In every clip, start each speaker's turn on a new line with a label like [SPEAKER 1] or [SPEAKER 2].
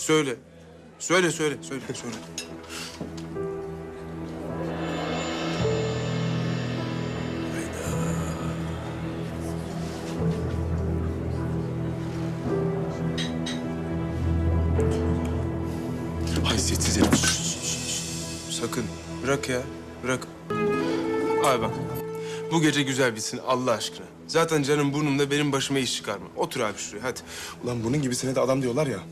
[SPEAKER 1] Söyle. Söyle.
[SPEAKER 2] Haysiyetsiz herif.
[SPEAKER 1] Sakın. Bırak ya. Bırak. Abi bak. Bu gece güzel bitsin Allah aşkına. Zaten canım burnumda, benim başıma iş çıkarma. Otur abi şuraya hadi.
[SPEAKER 2] Ulan bunun gibisine de adam diyorlar ya.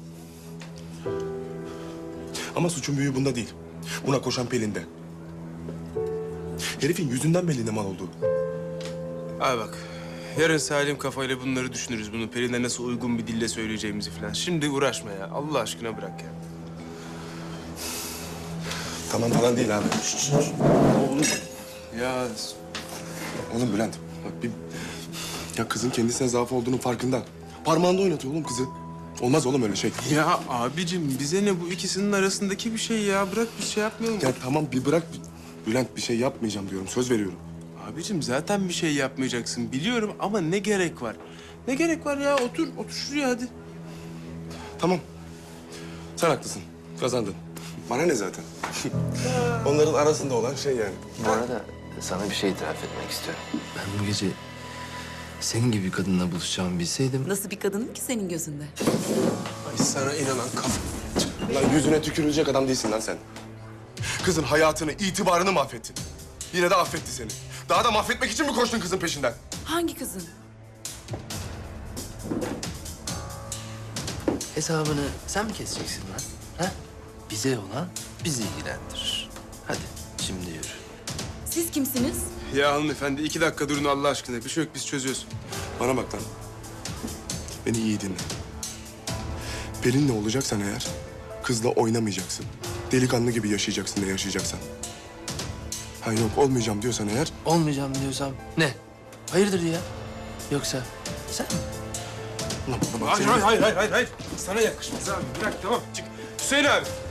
[SPEAKER 2] Ama suçun büyüğü bunda değil. Buna koşan Pelin'de. Herifin yüzünden belli ne mal olduğu.
[SPEAKER 1] Abi bak. Yarın salim kafayla bunları düşünürüz. Bunu Pelin'e nasıl uygun bir dille söyleyeceğimizi falan. Şimdi uğraşma ya. Allah aşkına bırak ya.
[SPEAKER 2] Tamam falan değil abi.
[SPEAKER 1] Oğlum. Ya
[SPEAKER 2] Oğlum Bülent, bak bir... Ya kızın kendisine zaaf olduğunun farkında. Parmağında oynatıyor oğlum kızı. Olmaz oğlum öyle şey.
[SPEAKER 1] Ya abicim bize ne, bu ikisinin arasındaki bir şey ya. Bırak bir şey yapmayalım.
[SPEAKER 2] Ya tamam bir bırak. Bülent bir şey yapmayacağım diyorum. Söz veriyorum.
[SPEAKER 1] Abicim zaten bir şey yapmayacaksın biliyorum ama ne gerek var? Ne gerek var ya? Otur şuraya hadi.
[SPEAKER 2] Tamam. Sen haklısın. Kazandın. Bana ne zaten? Onların arasında olan şey yani.
[SPEAKER 3] Bu arada sana bir şey itiraf etmek istiyorum. Ben bu gece senin gibi bir kadınla buluşacağımı bilseydim...
[SPEAKER 4] Nasıl bir kadınım ki senin gözünde?
[SPEAKER 1] Ay sana inanan kafa.
[SPEAKER 2] Lan yüzüne tükürülecek adam değilsin lan sen. Kızın hayatını, itibarını mahvettin. Yine de affetti seni. Daha da mahvetmek için mi koştun kızın peşinden?
[SPEAKER 4] Hangi kızın?
[SPEAKER 3] Hesabını sen mi keseceksin lan? Ha? Bize olan bizi ilgilendirir. Hadi şimdi yürü.
[SPEAKER 4] Siz kimsiniz?
[SPEAKER 1] Ya hanımefendi 2 dakika durun Allah aşkına. Bir şey yok, biz çözüyoruz.
[SPEAKER 2] Bana bak lan. Beni iyi dinle. Pelin'le olacaksan eğer, kızla oynamayacaksın. Delikanlı gibi yaşayacaksın ne yaşayacaksan. Ha yok olmayacağım diyorsan eğer...
[SPEAKER 3] Olmayacağım diyorsam ne? Hayırdır ya? Yoksa sen mi?
[SPEAKER 2] Ulan bana bak senin-
[SPEAKER 1] Hayır. Sana yakışmaz abi. Bırak tamam çık. Hüseyin abi.